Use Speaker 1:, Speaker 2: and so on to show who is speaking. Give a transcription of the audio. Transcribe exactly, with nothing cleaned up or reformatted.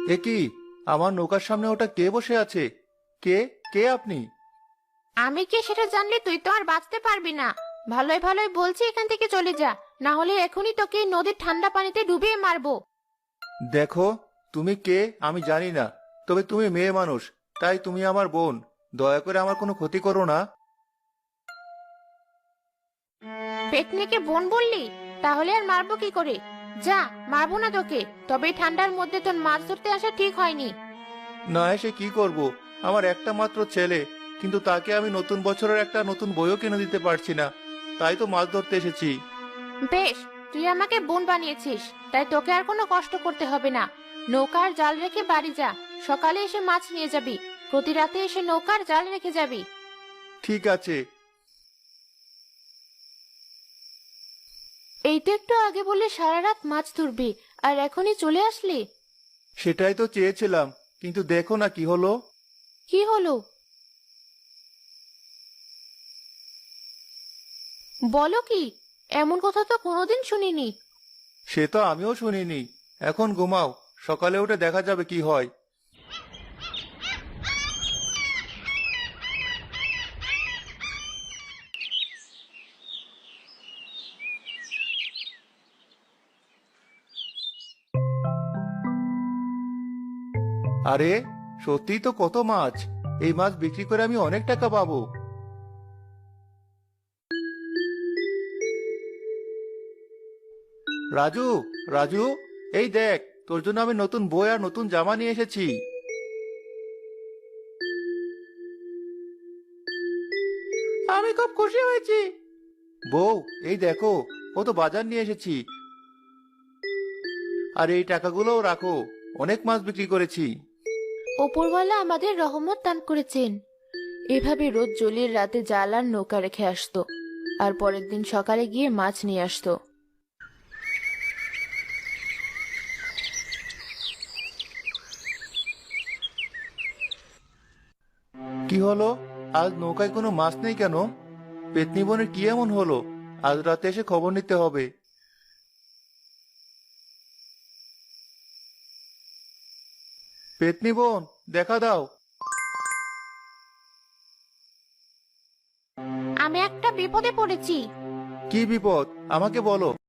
Speaker 1: এ কি? আমার নৌকার সামনে ওটা কে বসে আছে? কে? কে আপনি?
Speaker 2: আমি কে সেটা জানলে তুই তো আর বাঁচতে পারবি না। ভালোই ভালোই বলছি এখান থেকে চলে যা, না হলে এখনই তোকে এই নদীর ঠান্ডা পানিতে ডুবিয়ে মারবো।
Speaker 1: দেখো, তুমি কে আমি জানি না, তবে তুমি মেয়ে মানুষ, তাই তুমি আমার বোন। দয়া করে আমার কোনো ক্ষতি করো না।
Speaker 2: পেতনিকে বোন বললি? তাহলে আর মারবো কি করে? যা, মারবো না তোকে, তবে এই ঠান্ডার মধ্যে তোর মাছ ধরতে আসা ঠিক হয়নি।
Speaker 1: না এসে কি করব? আমার একটা মাত্র ছেলে, কিন্তু তাকে আমি নতুন বছরের একটা নতুন বইও কিনে দিতে পারছি না। তাই তো মাছ ধরতে এসেছি।
Speaker 2: বেশ, তুই আমাকে বোন বানিয়েছিস, তাই তোকে আর কোনো কষ্ট করতে হবে না। নৌকার জাল রেখে বাড়ি যা, সকালে এসে মাছ নিয়ে যাবি। প্রতি রাতে এসে নৌকার জাল রেখে যাবি।
Speaker 1: ঠিক আছে।
Speaker 2: এই তো একটু আগে বলে সারা রাত মাছ ধরবি, আর এখনই চলে আসলি?
Speaker 1: সেটাই তো চেয়েছিলাম, কিন্তু দেখো না কি হলো।
Speaker 2: কি হলো? বলো কি? এমন কথা তো কোনোদিন শুনিনি।
Speaker 1: সে তো আমিও শুনিনি। এখন ঘুমাও, সকালে উঠে দেখা যাবে কি হয়। আরে, সত্যিই তো কত মাছ! এই মাছ বিক্রি করে আমি অনেক টাকা পাবো। রাজু, রাজু, এই দেখ, তোর জন্য আমি নতুন বই আর নতুন জামা নিয়ে এসেছি। আমি খুব খুশি হয়েছি। বউ, এই দেখো, কত বাজার নিয়ে এসেছি। আর এই টাকাগুলোও রাখো, অনেক মাছ বিক্রি করেছি।
Speaker 2: ওপরওয়ালা আমাদের রহমত দান করেছেন। এভাবে রোজ জলির রাতে জাল আর নৌকা রেখে আসতো, আর পরের দিন সকালে গিয়ে মাছ নিয়ে আসতো।
Speaker 1: কি হলো? আজ নৌকায় কোনো মাছ নেই কেন? পেতনি বোনের কি এমন হলো? আজ রাতে এসে খবর নিতে হবে। পেতনি বোন, দেখা দাও।
Speaker 2: আমি একটা বিপদে পড়েছি।
Speaker 1: কি বিপদ? আমাকে বলো।